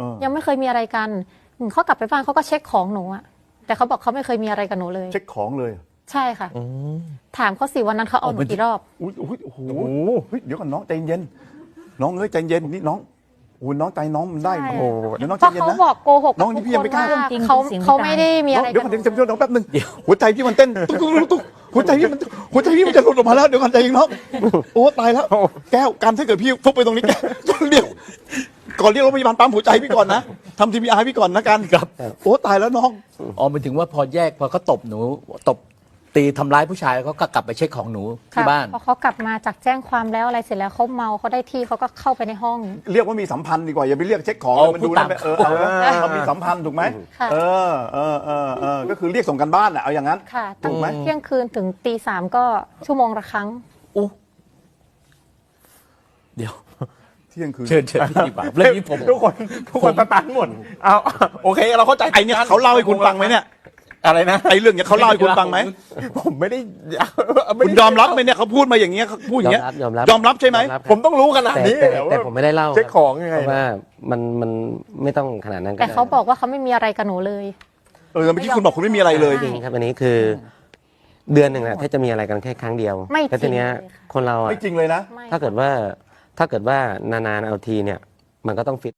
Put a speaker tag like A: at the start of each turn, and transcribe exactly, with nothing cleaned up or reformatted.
A: ยังไม่เคยมีอะไรกันเขากลับไปบ้านเขาก็เช็คของหนูอะแต่เขาบอกเขาไม่เคยมีอะไรกับหนูเลย
B: เช็คของเลย
A: ใช่ค่ะถามเขาสิวันนั้นเขาเอาหนูกี่รอบ
B: อุ้ยอุ้ยโอ้โหเดี๋ยวก่อนน้องใจเย็นน้องเอ้ยใจเย็นนี่น้องโอ้น้องใจน้องมันได้โอ้เดี๋ยวน้องใจเย็นนะ
A: เขาบอกโกหก
B: น้องนี่พี่ยังไม่กล้า
A: เขาเขาไม่ได้มีอะไร
B: เดี๋ยวก่อนเดี๋ยวน้องแป๊บนึงหัวใจพี่มันเต้นตุ๊กตุ๊กตุ๊กหัวใจพี่มันหัวใจพี่มันจะหลุดออกมาแล้วเดี๋ยวก่อนใจเย็นน้องโอ้ตายแล้วแก้วการถ้าเกิดพี่ฟุบไปตรงนี้แก้วเดี๋ยวก่อนเรียกรถพยาบาลปั๊มหัวใจพี่ก่อนนะทำทีพีอาร์พี่ก่อนนะกันครับโอ้ตายแล้วน้อง
C: อ๋อหมายถึงว่าพอแยกพอเขาตบหนูตบตีทำร้ายผู้ชายเขาก็กลับไปเช็คของหนูที่บ้าน
A: พอเขากลับมาจากแจ้งความแล้วอะไรเสร็จแล้วเขาเมาเขาได้ที่เขาก็เข้าไปในห้อง
B: เรียกว่ามีสัมพันธ์ดีกว่าอย่าไปเรียกเช็คของมันดูแล้วเออเอาเรามีสัมพันธ์ถูกไหมเออเออเออเออก็คือเรียกส่งกันบ้านอะเอาอย่างนั้น
A: ค่ะตั้งแต่เที่ยงคืนถึงตีสามก็ชั่วโมงละครั้ง
C: อู้เดี๋ยว
B: เที่ยงคืน
C: เชิญเชิญพี่ตีบ่าเรื่องนี้ผม
D: ทุกคนทุกคนตันหมดเอาโอเคเราเข้าใจ
B: ไอ้เนี่ยเขาเล่าให้คุณฟังไหมเนี่ย
D: อะไรนะ
B: ไอ้เรื่องเนี้ยเขาเล่าให้คุณฟังไหม
D: ผมไม่ได้
B: คุณยอมรับไหมเนี่ยเขาพูดมาอย่างเงี้ยเขาพูดอย่างเงี้ย
E: ยอมรับ
B: ยอมรับใช่ไหม
D: ผมต้องรู้ขนาดนี้
E: แต่ผมไม่ได้เล่า
D: เช็คของยังไง
E: เพราะว่ามันมันไม่ต้องขนาดนั้น
A: แต่เขาบอกว่าเขาไม่มีอะไรกับหนูเลย
B: เออเมื่อกี้คุณบอกคุณไม่มีอะไรเลย
E: จริงครับอันนี้คือเดือนหนึ่งแหละถ้าจะมีอะไรกันแค่ครั้งเดียวแต่ทีเนี้ยคนเรา
B: ไม่จริงเลยนะ
E: ถ้าเกิดว่าถ้าเกิดว่านานๆเอาทีเนี่ยมันก็ต้องฟิต